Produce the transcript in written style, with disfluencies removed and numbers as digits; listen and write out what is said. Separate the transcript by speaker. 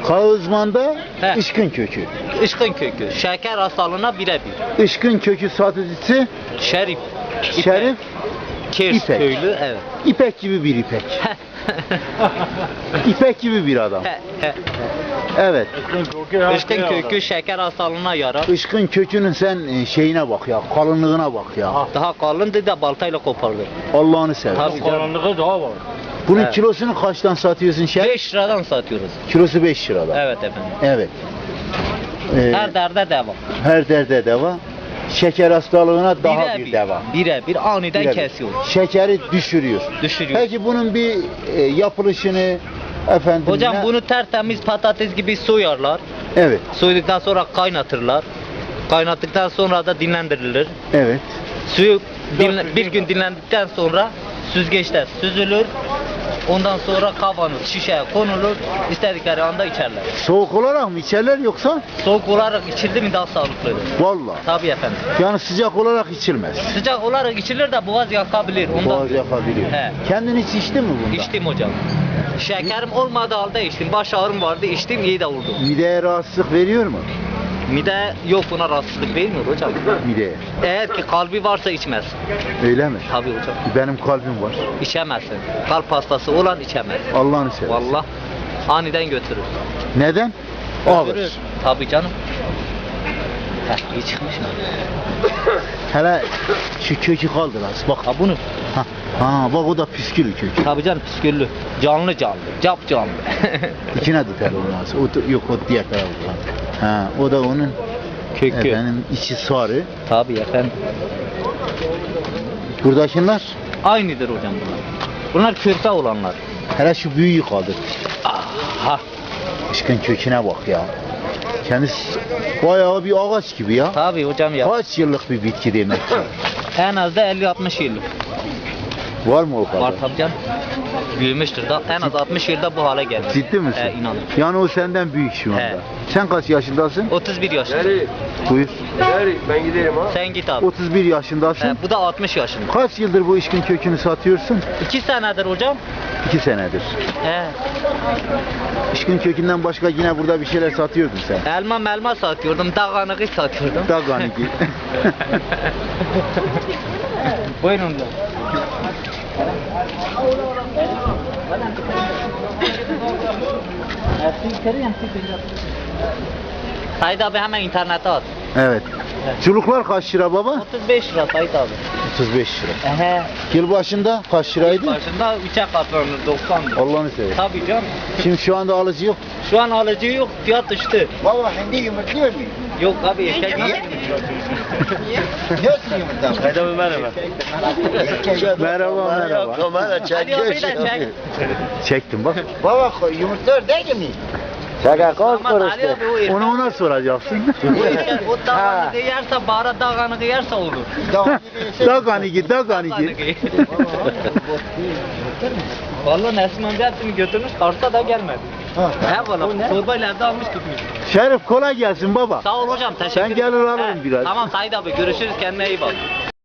Speaker 1: Kağızman'da
Speaker 2: He.
Speaker 1: ışkın kökü.
Speaker 2: Işkın kökü. Şeker hastalığına birebir.
Speaker 1: Işkın kökü satıcısı
Speaker 2: Şerif. İpek.
Speaker 1: Şerif
Speaker 2: Kirs
Speaker 1: İpek.
Speaker 2: köylü, evet.
Speaker 1: İpek gibi bir İpek. İpek gibi bir adam. Evet.
Speaker 2: Işkın kökü şeker hastalığına yarar.
Speaker 1: Işkın kökünün sen şeyine bak ya, kalınlığına bak ya.
Speaker 2: Daha kalındı da baltayla kopardı.
Speaker 1: Allah'ını seversen.
Speaker 2: Tabii canım.
Speaker 3: Karanlığı daha var.
Speaker 1: Bunun
Speaker 2: Evet.
Speaker 1: kilosunu kaçtan satıyorsun Şerif?
Speaker 2: 5 liradan satıyoruz.
Speaker 1: Kilosu 5 liradan.
Speaker 2: Evet efendim.
Speaker 1: Evet.
Speaker 2: Her derde devam.
Speaker 1: Her derde deva. Şeker hastalığına daha bir deva.
Speaker 2: Birebir aniden
Speaker 1: Birebir.
Speaker 2: kesiyor.
Speaker 1: Şekeri düşürüyor.
Speaker 2: Düşürüyor.
Speaker 1: Peki bunun bir yapılışını efendim
Speaker 2: Hocam
Speaker 1: ne-
Speaker 2: bunu tertemiz patates gibi soyarlar.
Speaker 1: Evet,
Speaker 2: Soyduktan sonra kaynatırlar. Kaynattıktan sonra da dinlendirilir.
Speaker 1: evet.
Speaker 2: Suyu bir gün dinlendikten sonra süzgeçte süzülür. Ondan sonra kavanız şişeye konulur. İstedikleri anda içerler.
Speaker 1: Soğuk olarak mı içerler yoksa?
Speaker 2: Soğuk olarak içildi mi daha sağlıklıdır.
Speaker 1: Vallahi.
Speaker 2: Tabii efendim.
Speaker 1: Yani sıcak olarak içilmez.
Speaker 2: Sıcak olarak içilir de boğaz yakabilir. Ondan
Speaker 1: Boğaz yakabiliyor.
Speaker 2: He.
Speaker 1: Kendin hiç içtin mi bunda?
Speaker 2: içtim hocam. Şekerim olmadığı halde içtim. Baş ağrım vardı, içtim, iyi de oldu.
Speaker 1: Mideye rahatsızlık veriyor mu?
Speaker 2: Mide yok, buna rahatsızlık vermiyor hocam.
Speaker 1: Mideye.
Speaker 2: Eğer ki kalbi varsa içmez.
Speaker 1: Öyle mi?
Speaker 2: Tabii hocam.
Speaker 1: Benim kalbim var.
Speaker 2: İçemezsin. Kalp hastası olan içemez.
Speaker 1: Allah'ını seversen.
Speaker 2: Vallahi aniden götürür.
Speaker 1: Neden? Ağır.
Speaker 2: Götürür. Tabii canım. Heh, iyi çıkmış mı?
Speaker 1: Hele şu kökü kaldır az bak.
Speaker 2: Ha bunu.
Speaker 1: Ha bak o da püskülü kökü.
Speaker 2: Tabii canım, püsküllü. Canlı canlı. Cap canlı.
Speaker 1: İçine tutar olmaz. Yok o diğer taraftan. Ha o da onun
Speaker 2: Kökü.
Speaker 1: efendim içi sarı.
Speaker 2: Tabii efendim.
Speaker 1: Buradakiler
Speaker 2: Aynıdır hocam bunlar. Bunlar körpe olanlar.
Speaker 1: hele şu büyüğü kaldır.
Speaker 2: Aha.
Speaker 1: Işkın köküne bak ya. Kendisi bayağı bir ağaç gibi ya.
Speaker 2: Tabii hocam ya.
Speaker 1: Kaç yıllık bir bitki demek ki.
Speaker 2: En az da 50-60 yıllık.
Speaker 1: Var mı o kadar?
Speaker 2: Var tabii canım. Büyümüştür da en az 60 yılda bu hale geldi.
Speaker 1: Ciddi misin?
Speaker 2: İnanın.
Speaker 1: Yani o senden büyük şu anda.
Speaker 2: He.
Speaker 1: Sen kaç yaşındasın?
Speaker 2: 31 yaşında.
Speaker 1: Buyur.
Speaker 3: Ben giderim ha.
Speaker 2: Sen git abi.
Speaker 1: 31 yaşındasın.
Speaker 2: Bu da 60 yaşında.
Speaker 1: Kaç yıldır bu işkin kökünü satıyorsun?
Speaker 2: 2 senedir hocam.
Speaker 1: 2 senedir.
Speaker 2: He.
Speaker 1: İşkin kökünden başka yine burada bir şeyler satıyordun sen.
Speaker 2: Elma satıyordum, dağanığı satıyordum.
Speaker 1: Daganiki.
Speaker 2: Buyurun da. Said abi hemen internete at.
Speaker 1: Evet. Çuluklar kaç lira baba?
Speaker 2: 35 lira Said abi.
Speaker 1: 35 lira.
Speaker 2: Ehe.
Speaker 1: Yıl başında kaç liraydı?
Speaker 2: Başında 3'e katlanır 90 lira.
Speaker 1: Allah'ını seversen.
Speaker 2: Tabii canım.
Speaker 1: Şimdi şu anda alıcı yok.
Speaker 2: Şu an alıcı yok, fiyat düştü.
Speaker 1: Baba hindi yumurtluyor muyum?
Speaker 2: Yok abi, eşek nasıl?
Speaker 1: Nasıl yumurtluyor?
Speaker 3: Haydi abi merhaba.
Speaker 1: Merhaba.
Speaker 3: Kamera
Speaker 2: Hadi abi de çek.
Speaker 1: Çektim bak.
Speaker 4: Baba yumurtlar değil mi?
Speaker 1: Şaka
Speaker 2: Ama Ali abi o erkek.
Speaker 1: Onu ona soracaksın.
Speaker 2: O erkek o dağanığı yerse, bara dağanığı yerse olur.
Speaker 1: Daganiki.
Speaker 2: Dağanığı. Vallahi Nesim amca hepsini götürmüş, Kars'a da gelmedi. He valla, torbayla evde almış gitmiş.
Speaker 1: Şerif kolay gelsin baba.
Speaker 2: Sağ ol hocam, teşekkür
Speaker 1: Ben gelir alırım biraz.
Speaker 2: Tamam Said abi, görüşürüz, kendine iyi bak.